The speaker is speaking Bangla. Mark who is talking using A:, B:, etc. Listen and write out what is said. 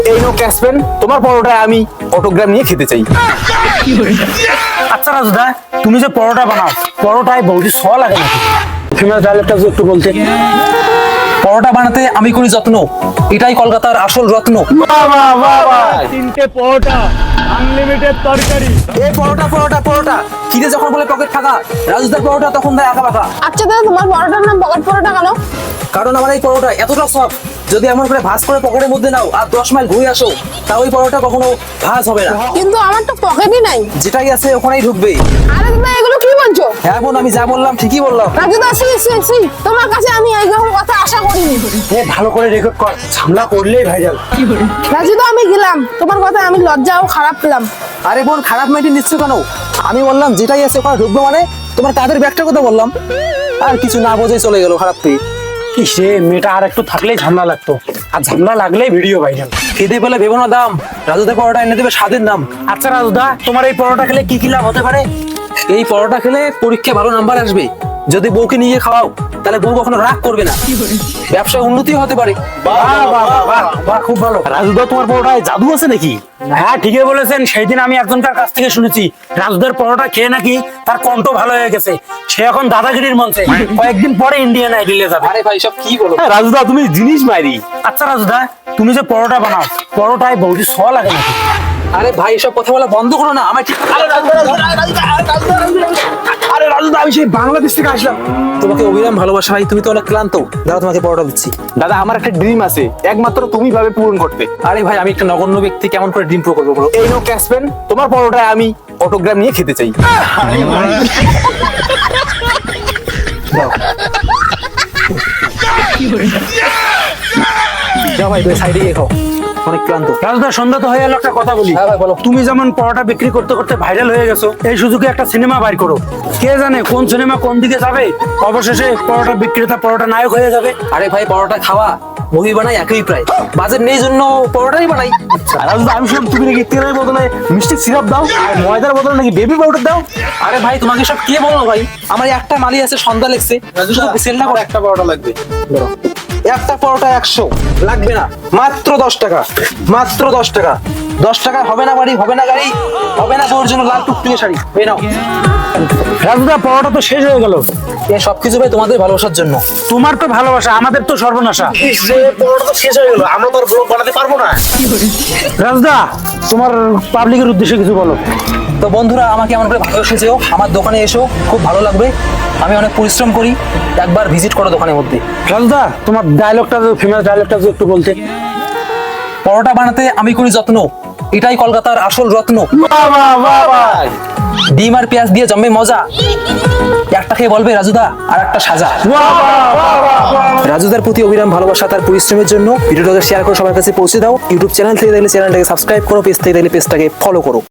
A: এই নো ক্যাশ পেন, তোমার পরোটায় আমি অটোগ্রাম নিয়ে খেতে চাই।
B: আচ্ছা রাজুদা, তুমি যে পরোটা বানাও, পরোটায় বৌদি স লাগে নাকি? ফেমাস ডায়লগটা একটু বলতে। পরোটা বানাতে আমি করি যত্ন, এটাই কলকাতার আসল রত্ন।
C: তিনটে পরোটা, আনলিমিটেড তরকারি।
B: এই পরোটা পরোটা পরোটা, খিদে যখন বলে পকেট ফাঁকা, রাজুদার পরোটা তখন দেয় আঁকা বাঁকা।
D: আচ্ছা দাদা, তোমার পরোটার নাম পকেট পরোটা কেন?
B: কারণ আমার এই পরোটা এতটা সফট, যদি এমন করে ভাঁজ করে পকেটের মধ্যে নাও আর 10 মাইল ঘুরে আসো, তা ওই পরোটা কখনো ভাঁজ হবে না।
D: কিন্তু আমার তো পকেটই নাই।
B: যেটাই আছে ওখানেই ঢুকবে।
D: আরে দাদা, এগুলো কি বলছো?
B: হ্যাঁ বোন, আমি যা বললাম ঠিকই বললাম।
D: রাজুদা, সি তোমার কাছে আমি এইরকম কথা আশা করিনি।
B: ভালো করে রেকর্ড কর, ঝামেলা করলেই ভাইরাল।
D: রাজুদা, আমি গেলাম, তোমার কথা আমি লজ্জা ও খারাপ পেলাম।
B: আরে বোন, খারাপ মাইন্ডে নিচ্ছ কেন? আমি বললাম যেটাই আছে ওখানে ঢুকবো, মানে তোমার কাঁধের ব্যাগটার কথা বললাম, আর কিছু না বোঝে চলে গেল খারাপ পেয়ে।
C: সে মেয়েটা আর একটু থাকলেই ঝামেলা লাগতো, আর ঝামেলা লাগলেই ভিডিও ভাইরাল।
B: খেতে পেলে ভেবো না দাম, রাজুদের পরোটা এনে দেবে স্বাদের নাম।
C: আচ্ছা রাজুদা, তোমার এই পরোটা খেলে কি কি লাভ হতে পারে?
B: এই পরোটা খেলে পরীক্ষায় ভালো নাম্বার আসবে, যদি বউকে নিয়ে খাওয়াও তাহলে বউ কখনো রাগ করবে না, ব্যবসায় উন্নতি হতে পারে।
C: বাহ, খুব ভালো।
A: রাজুদা, তোমার পরোটায় জাদু আছে নাকি?
C: হ্যাঁ, ঠিকই বলেছেন। সেই দিন আমি একজনকার কাছ থেকে শুনেছি, রাজুদার পরোটা খেয়ে নাকি তার কণ্ঠ ভালো হয়ে গেছে, সে এখন দাদাগিরির মঞ্চে, কয়েকদিন পরে ইন্ডিয়ান আইডলে যাবে।
B: আরে ভাই, সব কি বলো?
A: রাজুদা, তুমি জিনিস মাইরি।
C: আচ্ছা রাজুদা, তুমি যে পরোটা বানাও, পরোটায় বৌদি স লাগে নাকি?
B: আরে ভাই, এসব কথা বলা বন্ধ করো না, আমার ঠিক।
A: আরে রাজুদা, আমি সেই বাংলাদেশ থেকে আসলাম।
B: তোমাকে অবিরাম ভালোবাসা ভাই, তুমি তো অনেক ক্লান্ত, দাঁড়াও তোমাকে পরোটা দিচ্ছি।
A: দাদা, আমার একটা ড্রিম আছে, একমাত্র তুমি ভাবে পূরণ করতে।
B: আরে ভাই, আমি একটা নগণ্য ব্যক্তি, কেমন করে ড্রিম প্রো করবো বলো?
A: এই নো ক্যাশ পেন, তোমার পরোটায় আমি অটোগ্রাম নিয়ে খেতে চাই।
B: যাও ভাই, তুই সাইডে গিয়ে খাও, অনেক ক্লান্ত।
C: রাজুদা, সন্ধ্যা তো হয়ে গেল, একটা কথা বলি।
B: হ্যাঁ ভাই, বলো।
C: তুমি যেমন পরোটা বিক্রি করতে করতে ভাইরাল হয়ে গেছো, এই সুযোগে একটা সিনেমা বাইর করো। কে জানে কোন সিনেমা কোন দিকে যাবে, অবশেষে পরোটা বিক্রেতা পরোটা নায়ক হয়ে যাবে।
B: আরে ভাই, পরোটা খাওয়া মুভি বানাই একই প্রায়, বাজেট নেই জন্য পরোটাই বানাই।
A: আর রাজুদা, আমি শুনলাম তুমি নাকি তেলের বদলে মিষ্টি সিরাপ দাও, আর ময়দার বদলে নাকি বেবি পাউডার দাও।
B: আরে ভাই, তোমাকে সব কে বলো ভাই? আমার একটা মালি আছে, সন্ধ্যা লেগছে, সেল না করে।
A: একটা পরোটা লাগবে।
B: একটা পরোটা 100 লাগবে না, মাত্র 10 টাকা, মাত্র 10 টাকা। 10 টাকা হবে না বাড়ি, হবে না গাড়ি, হবে না তোর জন্য লাল টুকটুকে শাড়ি, এই নাও।
C: রাজুদা, পরোটা তো শেষ হয়ে গেল।
B: এই সবকিছু ভাই তোমাদের ভালোবাসার জন্য।
C: তোমার তো ভালোবাসা, আমাদের তো সর্বনাশা।
A: পরোটা তো শেষ হয়ে গেল, আমরা তো আর ব্লগ বানাতে পারবো না।
C: রাজুদা, তোমার পাবলিকের উদ্দেশ্যে কিছু বলো।
B: তো বন্ধুরা, আমাকে এমন করে ভালোবেসে যেও, আমার দোকানে এসো, খুব ভালো লাগবে। আমি অনেক পরিশ্রম করি, একবার ভিজিট করো দোকানের মধ্যে।
C: রাজুদা, তোমার ডায়লগটা, ফেমাস ডায়লগটা একটু বলতে।
B: পরোটা বানাতে আমি করি যত্ন, এটাই কলকাতার আসল রত্ন। ডিম আর পেঁয়াজ দিয়ে জমে মজা, একটা খেয়ে বলবে রাজুদা আর একটা সাজা। রাজুদার প্রতি অবিরাম ভালোবাসা, তার পরিশ্রমের জন্য। ভিডিওটাকে শেয়ার করে সবার কাছে পৌঁছে দাও। ইউটিউব চ্যানেল থেকে দেখলে চ্যানেলটাকে সাবস্ক্রাইব করো, পেজ থেকে দেখলে পেজটাকে ফলো করো।